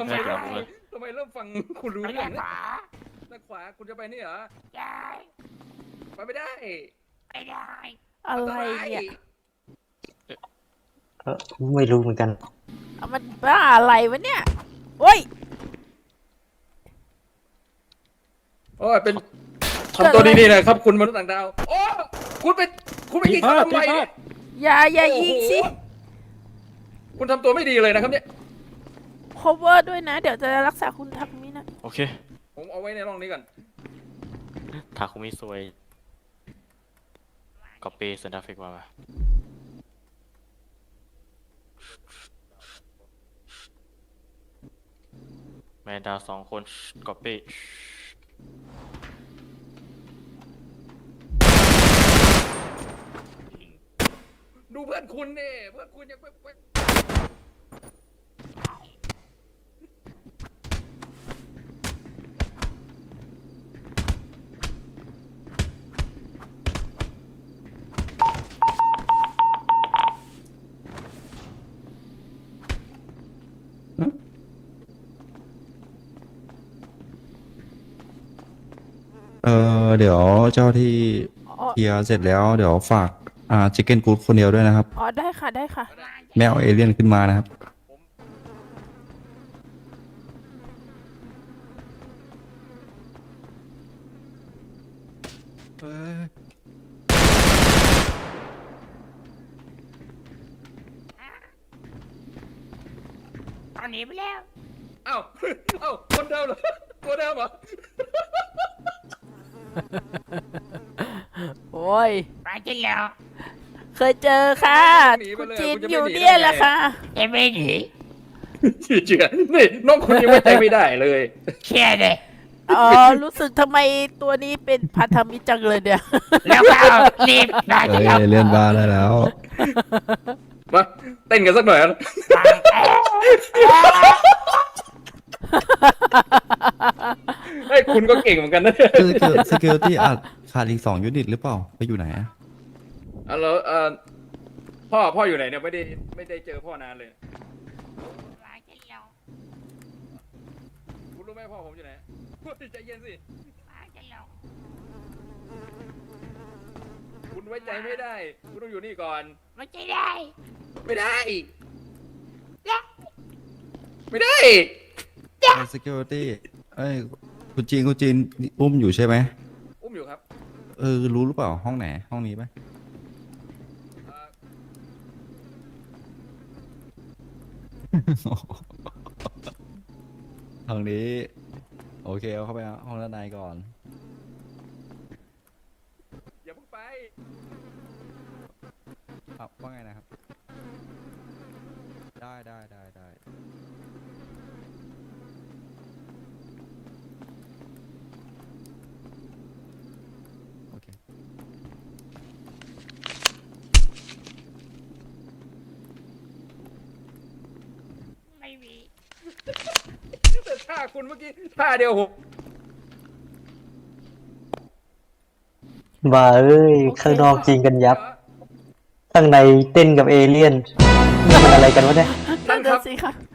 ทำไมเริ่มฟังคุณรู้เรื่องนะด้านขวาคุณจะไปนี่เหรอได้ไปไม่ได้อะไรเนี่ยไม่รู้เหมือนกันมันบ้าอะไรวะเนี่ยโอ้ยโอ้ยเป็นทำตัวดีๆนะครับคุณมนุษย์ต่างดาวโอ้คุณไปยิงเขาทำไมเนี่ยอย่ายิงสิคุณทำตัวไม่ดีเลยนะครับเนี่ย cover ด้วยนะ เดี๋ยวจะรักษาคุณทักมินะโอเคผมเอาไว้ในร่องนี้ก่อนทาคุมิซวยก๊อปปี้เซนทาฟิกมาแมนดา2 คนก๊อปปี้ดูเพื่อนคุณเนี่ยเพื่อนคุณยังไปเดี๋ยวเจ้าที่อ๋อเคลียร์เสร็จแล้วเดี๋ยวฝากชิคเก้นกู๊ดคนเดียวด้วยนะครับอ๋อได้ค่ะได้ค่ะไม่เอาเอเลี่ยนขึ้นมานะครับตอนนี้ไปแล้วเอ้าคนเดิมเหรอตัวเดิมเหรอโอ้ยไปกินแล้ว เคยเจอค่ะ คุณจีนอยู่เนี่ยแหละค่ะไม่หนีเชื่อนี่น้องคุณยังไว้ใจไม่ได้เลยเชื่อเลยอ๋อรู้สึกทำไมตัวนี้เป็นพันธมิตรจังเลยเนี่ย แล้วก็รีบได้เอ้ยเอเลี่ยนบ้าได้แล้วมาเต้นกันสักหน่อยนะเฮ้ยคุณก็เก่งเหมือนกันนะคือ security อาจขาดอีก2 ยูนิตหรือเปล่า ไปอยู่ไหนอะแล้วพ่ออยู่ไหนเนี่ยไม่ได้เจอพ่อนานเลยคุณรู้ไหมพ่อผมอยู่ไหนใจเย็นสิคุณไว้ใจไม่ได้คุณต้องอยู่นี่ก่อนไม่ได้ ไม่ได้ security เอ้ยคุณจีนอุ้มอยู่ใช่ไหมอุ้มอยู่ครับรู้หรือเปล่าห้องไหนห้องนี้ไหม ห้องนี้โอเคเอาเข้าไปห้องด้านในก่อนอย่าเพิ่งไปว่าไงนะครับ ได้โอเคไม่มีแต่ท่าคุณเมื่อกี้ท่าเดียวผมบ้าเอ้ย ข้างนอกจริงกันยับ ข้างในเต้นกับเอเลี่ยนนี่มันอะไรกันวะเนี่ยนั่นสิค่ะ